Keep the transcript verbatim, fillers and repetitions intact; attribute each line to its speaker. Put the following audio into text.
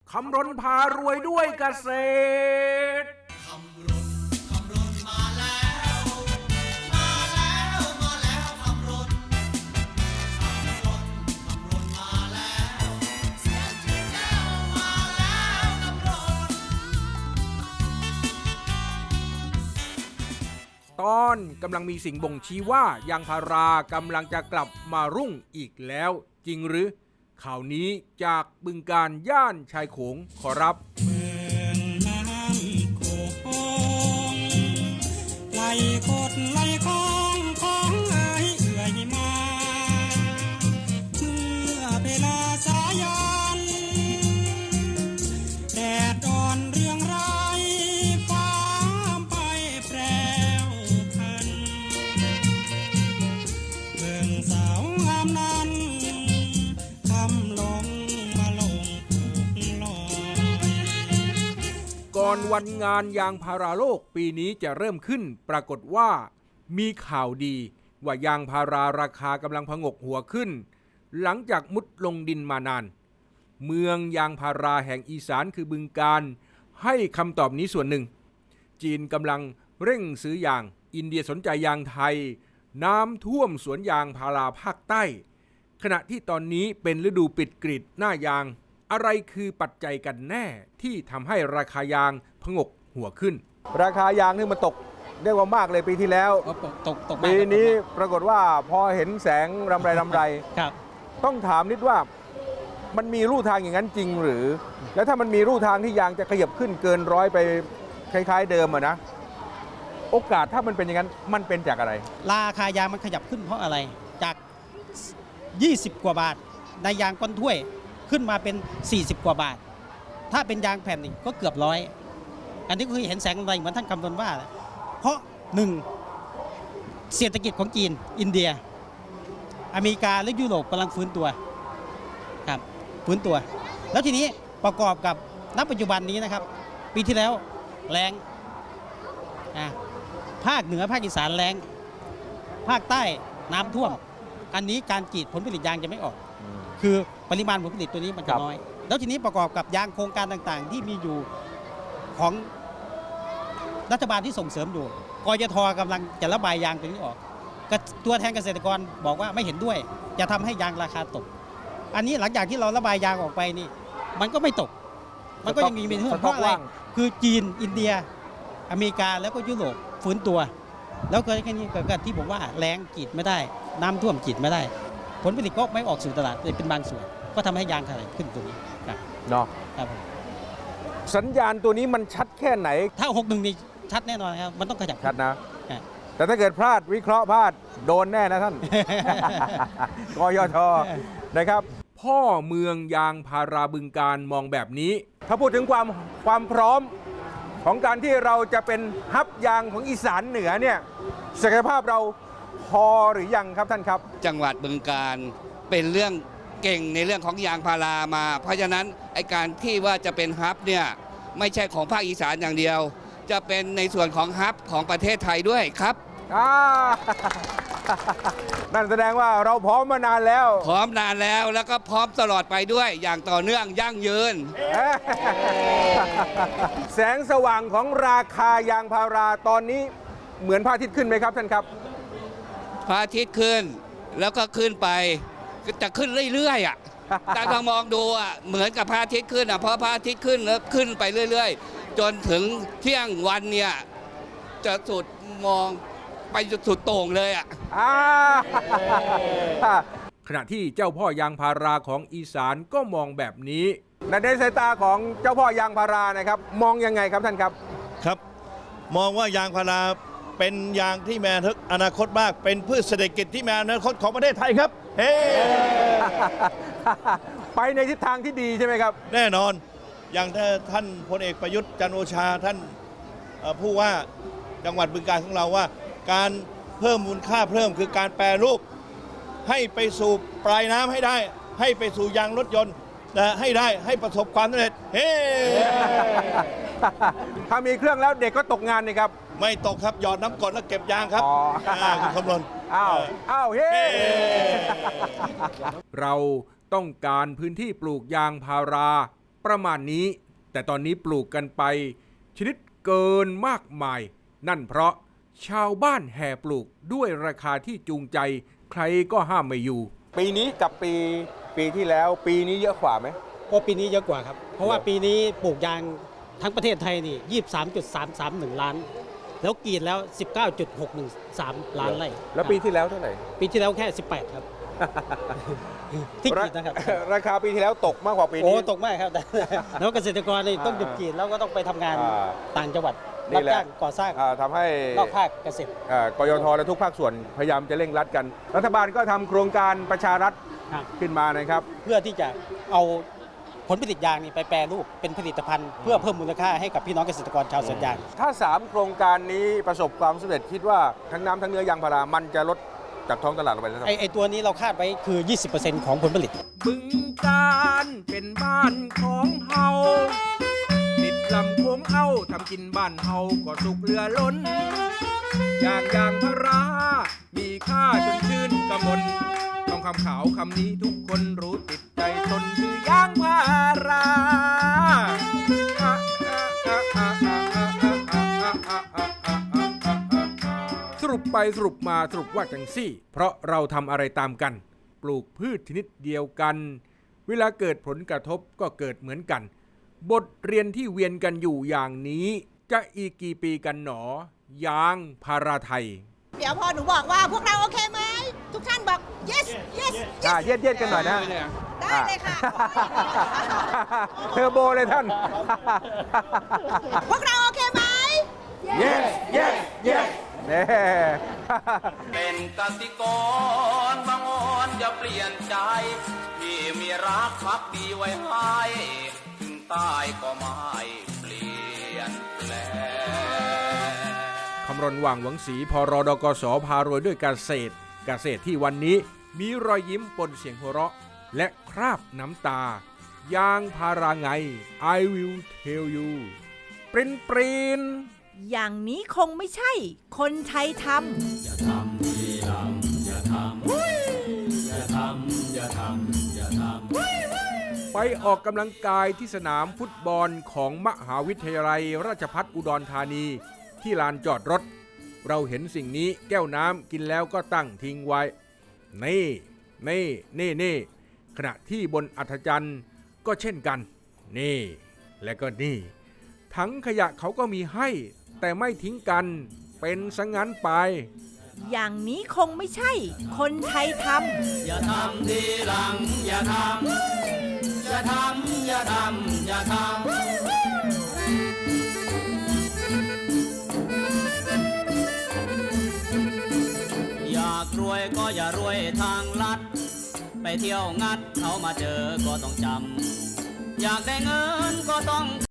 Speaker 1: คำรณพารวยด้วยเกษตร
Speaker 2: คำรณคำรณมาแล้วมาแล้วมาแล้วคำรณคำรณคำรณมาแล้วเสียงที่แก้วมาแล้วคำรณ
Speaker 1: ตอนกำลังมีสิ่งบ่งชี้ว่ายางพารากำลังจะกลับมารุ่งอีกแล้วจริงหรือข่าวนี้จากบึงการย่านชายโขงขอรับ
Speaker 3: เมืองน้ำโขงไหลกดไหลคลองของเอ๋ยเอื่อยมาเมื่อเวลาสายันแดดอ่อนเรียงรายฟ้าไปแปรวพันเมืองสาวงามนั้นคำลงมาลงถูกลอย
Speaker 1: ก่อนวันงานยางพาราโลกปีนี้จะเริ่มขึ้นปรากฏว่ามีข่าวดีว่ายางพาราราคากำลังผงกหัวขึ้นหลังจากมุดลงดินมานานเมืองยางพาราแห่งอีสานคือบึงการให้คำตอบนี้ส่วนหนึ่งจีนกำลังเร่งซื้อยางอินเดียสนใจยางไทยน้ำท่วมสวนยางพาราภาคใต้ขณะที่ตอนนี้เป็นฤดูปิดกรีดหน้ายางอะไรคือปัจจัยกันแน่ที่ทำให้ราคายางผงกหัวขึ้นราคายางนี่มันตกเรียกว่ามากเลยปีที่แล้ว
Speaker 3: ตกตกตก
Speaker 1: ปีนี้ปรากฏว่าพอเห็นแสงรำไรรำไร
Speaker 3: ครับ
Speaker 1: ต้องถามนิดว่ามันมีรูทางอย่างนั้นจริงหรือแล้วถ้ามันมีรูทางที่ยางจะขยับขึ้นเกินร้อยไปคล้ายๆเดิมอะนะโอกาสถ้ามันเป็นอย่างนั้นมันเป็นจากอะไร
Speaker 3: ราคายางมันขยับขึ้นเพราะอะไรจากยี่สิบกว่าบาทในยางก้นถ้วยขึ้นมาเป็นสี่สิบกว่าบาทถ้าเป็นยางแผ่นนี่ก็เกือบร้อยอันนี้ก็คือเห็นแสงอะไรเหมือนท่านคำนวณว่าเพราะหนึ่งเศรษฐกิจของจีนอินเดียอเมริกาและยุโรปกำลังฟื้นตัวครับฟื้นตัวแล้วทีนี้ประกอบกับณปัจจุบันนี้นะครับปีที่แล้วแล้งอ่ะภาคเหนือภาคอีสานแล้งภาคใต้น้ำท่วมอันนี้การกรีดผลผลิตยางจะไม่ออกคือปริมาณผลผลิตตัวนี้มันจะน้อยแล้วทีนี้ประกอบกับยางโครงการต่างๆที่มีอยู่ของรัฐบาลที่ส่งเสริมอยู่กยท.กำลังจะระบายยางตัวนี้ออกตัวแทนเกษตรกรบอกว่าไม่เห็นด้วยจะทำให้ยางราคาตกอันนี้หลังจากที่เราระบายยางออกไปนี่มันก็ไม่ตกมันก็ยังมีเป็นเพราะอะไรคือจีนอินเดียอเมริกาแล้วก็ยุโรปฟื้นตัวแล้วก็แค่นี้เกิดการที่ผมว่าแล้งกรีดไม่ได้น้ำท่วมกรีดไม่ได้ผลผลิตก็ไม่ออกสู่ตลาดเลยเป็นบางส่วนก็ทำให้ยางขายขึ้นตัวนี้ครับ
Speaker 1: เนาะ
Speaker 3: ครับ
Speaker 1: สัญญาณตัวนี้มันชัดแค่ไหน
Speaker 3: ถ้าหกหนึ่งนี่ชัดแน่นอนครับมันต้องขยับ
Speaker 1: ชัดนะแต่ถ้าเกิดพลาดวิเคราะห์พลาดโดนแน่นะท่าน กยท.นะครับพ่อเมืองยางพาราบึงการมองแบบนี้ถ้าพูดถึงความความพร้อมของการที่เราจะเป็นฮับยางของอีสานเหนือเนี่ยศักยภาพเราพอหรือยังครับท่านครับ
Speaker 4: จังหวัดบึงการเป็นเรื่องเก่งในเรื่องของยางพารามาเพราะฉะนั้นไอการที่ว่าจะเป็นฮับเนี่ยไม่ใช่ของภาคอีสานอย่างเดียวจะเป็นในส่วนของฮับของประเทศไทยด้วยครับ
Speaker 1: นั่นแสดงว่าเราพร้อมมานานแล้ว
Speaker 4: พร้อมนานแล้วแล้วก็พร้อมตลอดไปด้วยอย่างต่อเนื่องยั่งยืน
Speaker 1: แสงสว่างของราคายางพาราตอนนี้เหมือนพระอาทิตย์ขึ้นไหมครับท่านครับ
Speaker 4: พระอาทิตย์ขึ้นแล้วก็ขึ้นไปจะขึ้นเรื่อยๆอ่ะแต่ถ้ามองดูอ่ะเหมือนกับพระอาทิตย์ขึ้นอ่ะเพราะพระอาทิตย์ขึ้นแล้วขึ้นไปเรื่อยๆจนถึงเที่ยงวันเนี่ยจะสุดมองไปสุดโต่งเลยอ่ะ
Speaker 1: ขณะที่เจ้าพ่อยางพาราของอีสานก็มองแบบนี้ในสายตาของเจ้าพ่อยางพารานะครับมองยังไงครับท่านครับ
Speaker 5: ครับมองว่ายางพาราเป็นยางที่มีอนาคตมากเป็นพืชเศรษฐกิจที่มีอนาคตของประเทศไทยครับเฮ้
Speaker 1: ไปในทิศทางที่ดีใช่ไหมครับ
Speaker 5: แน่นอนอย่างท่านพลเอกประยุทธ์จันทร์โอชาท่านผู้ว่าจังหวัดบึงกาฬของเราว่าการเพิ่มมูลค่าเพิ่มคือการแปรรูปให้ไปสู่ปลายน้ำให้ได้ให้ไปสู่ยางรถยนต์นะให้ได้ให้ประสบความสำเร็จเฮ้
Speaker 1: ถ้ามีเครื่องแล้วเด็กก็ตกงานนี่ครับ
Speaker 5: ไม่ตกครับหยอดน้ำกรดแล้วเก็บยางครับคุณคำนวณ
Speaker 1: อ้าวอ้าวเฮ้เราต้องการพื้นที่ปลูกยางพาราประมาณนี้ แต่ตอนนี้ปลูกกันไปชนิดเกินมากมาย นั่นเพราะชาวบ้านแห่ปลูกด้วยราคาที่จูงใจใครก็ห้ามไม่อยู่
Speaker 6: ปีนี้กับปีปีที่แล้วปีนี้เยอะกว่าไหม
Speaker 3: ก็ปีนี้เยอะกว่าครับ เพราะว่าปีนี้ปลูกยางทั้งประเทศไทยนี่ ยี่สิบสามจุดสามสามหนึ่ง ล้าน แล้วกรีดแล้ว สิบเก้าจุดหกหนึ่งสาม ล้านไร่
Speaker 6: แล้วปีที่แล้วเท่าไหร่
Speaker 3: ปีที่แล้วแค่ สิบแปด ครับ ที่กรีดนะครับ
Speaker 6: ราคาปีที่แล้วตกมากกว่าปี
Speaker 3: โอ้
Speaker 6: นี้
Speaker 3: ตกมากครับ แล้วเกษตรกรนี่ต้องหยุดกรีดแล้วก็ต้องไปทำงาน
Speaker 6: อ่า
Speaker 3: ต่างจังหวัด
Speaker 6: นี่
Speaker 3: รับ
Speaker 6: แหละ
Speaker 3: จ้างก่อสร้าง
Speaker 6: อ่าทำให้
Speaker 3: นอกภาคเกษตร
Speaker 6: อ่ากยทและทุกภาคส่วนพยายามจะเร่งรัดกัน รัฐบาลก็ทำโครงการประชารัฐ
Speaker 3: ครับ
Speaker 6: ขึ้นมานะครับ
Speaker 3: เพื่อที่จะเอาผลผลิตยางนี่ไปแปรรูปเป็นผลิตภัณฑ์ เพื่อเพิ่มมูลค่าให้กับพี่น้องเกษตรกรชาวสวนยาง
Speaker 6: ถ้า สาม โครงการนี้ประสบความสำเร็จคิดว่าทั้งน้ำทั้งเนื้อยางพารามันจะลดจากท้องตลาดลงไปแล้ว
Speaker 3: ไอไอตัวนี้เราคาดไว้คือ ยี่สิบเปอร์เซ็นต์ ของผลผลิต
Speaker 1: บึงการเป็นบ้านของเฮาติดลำโค้งเอาทำกินบ้านเฮาก็สุกเรือล้น อย่างยางพารา มีค่าจนชื่นกระมนต้องคำขาวคำนี้ทุกคนรู้ติดใจตนคือยางพาราสรุปไปสรุปมาสรุปว่าจังซี่ เพราะเราทำอะไรตามกัน ปลูกพืชชนิดเดียวกัน เวลาเกิดผลกระทบก็เกิดเหมือนกัน บทเรียนที่เวียนกันอยู่อย่างนี้ จะอีกกี่ปีกันหนอยางพาราไทย
Speaker 7: เดี๋ยวพอหนูบอกว่าพวกเราโอเคไหม ทุกท่านบอก yes yes
Speaker 6: อ่าเย็ดเย็ดๆกันหน่อยนะ
Speaker 7: ได้เลยค่ะ
Speaker 6: เทอร์โบเลยท่าน
Speaker 7: พวกเราโอเคไหม
Speaker 6: yes yes yes เน่
Speaker 2: เป็นกสิกรบางอ่อนอย่าเปลี่ยนใจ ที่มีรักพักดีไว้ให้ถึงตายก็ไม่เปลี่ยนแปลง
Speaker 1: คำรณว่างหวังศรีพรดกสพารวยด้วยเกษตร เกษตรที่วันนี้มีรอยยิ้มปนเสียงหัวเราะ และคราบน้ำตายางพาราไง I will tell you ปรินปริน
Speaker 8: อย่างนี้คงไม่ใช่ คนไทยทำ
Speaker 1: ไปออกกำลังกายที่สนามฟุตบอลของมหาวิทยาลัยราชภัฏอุดรธานีที่ลานจอดรถ เราเห็นสิ่งนี้แก้วน้ำกินแล้วก็ตั้งทิ้งไว้ นี่นี่นี่นี่ขณะที่บนอัฐจันทร์ก็เช่นกัน นี่ และก็นี่ ถังขยะเขาก็มีให้ แต่ไม่ทิ้งกันเป็นสังงั้นไป
Speaker 8: อย่างนี้คงไม่ใช่ คนไทยทำ
Speaker 2: อย่าทำทีหลังอย่าทำอย่าทำอย่าทำอย่าทำอยากรวยก็อย่ารวยทางลัด ไปเที่ยวงัดเขามาเจอก็ต้องจำอยากได้เงินก็ต้อง